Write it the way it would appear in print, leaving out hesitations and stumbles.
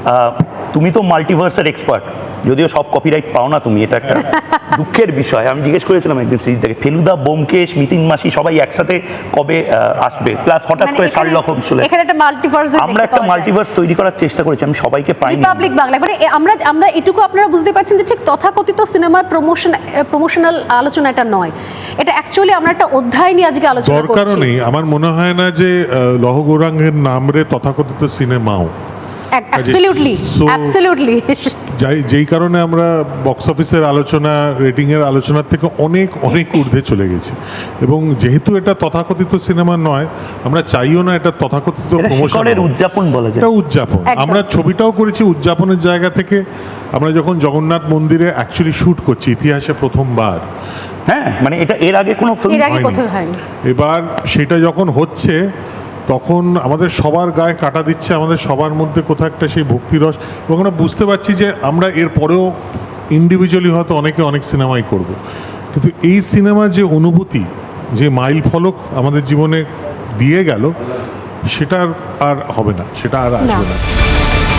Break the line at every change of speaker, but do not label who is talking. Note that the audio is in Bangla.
তুমি তো মাল্টিভার্সের এক্সপার্ট, যদিও সব কপিরাইট পাও না তুমি, এটা একটা দুঃখের বিষয়। আমি জিজ্ঞেস করেছিলাম একদিন সিরিজ থেকে, ফেলুদা, ব্যোমকেশ, মিতিন মাসি সবাই একসাথে কবে আসবে, প্লাস হঠাৎ করে শার্লক হোমস চলে।
এখানে একটা মাল্টিভার্স,
আমরা একটা মাল্টিভার্স তৈরি করার চেষ্টা করেছি, আমি সবাইকে পাইনি।
রিপাবলিক বাংলা, মানে আমরা এটুকু আপনারা বুঝতে পারছেন যে ঠিক তথাকথিত সিনেমার প্রমোশনাল আলোচনা এটা নয়, এটা অ্যাকচুয়ালি আমরা একটা অধ্যায় নিয়ে আজকে আলোচনা করছি।
দরকারও নেই, আমার মনে হয় না যে লৌহ গৌরাঙ্গের নামরে তথাকথিত সিনেমাও।
অ্যাবসলিউটলি
যেই কারণে আমরা বক্স অফিসের আলোচনা, রেটিং এর আলোচনার থেকে অনেক অনেক ঊর্ধ্বে চলে গেছি, এবং যেহেতু এটা তথাকথিত সিনেমা নয়, আমরা চাইও না এটা তথাকথিত প্রমোশনের
উদযাপন বলা যায়।
এটা উদযাপন, আমরা ছবিটাও করেছি উদযাপনের জায়গা থেকে। আমরা যখন জগন্নাথ মন্দিরে অ্যাকচুয়ালি শুট করছি ইতিহাসে প্রথমবার,
হ্যাঁ, মানে এটা এর আগে কোনো ফিল্ম
হয়নি। এবার সেটা যখন হচ্ছে তখন আমাদের সবার গায়ে কাটা দিচ্ছে, আমাদের সবার মধ্যে কোথাও একটা সেই ভক্তিরস, এবং আমরা বুঝতে পারছি যে আমরা এর পরেও ইন্ডিভিজুয়ালি হয়তো অনেকে অনেক সিনেমাই করব, কিন্তু এই সিনেমার যে অনুভূতি, যে মাইল ফলক আমাদের জীবনে দিয়ে গেল, সেটা আর হবে না, সেটা আর আসবে না।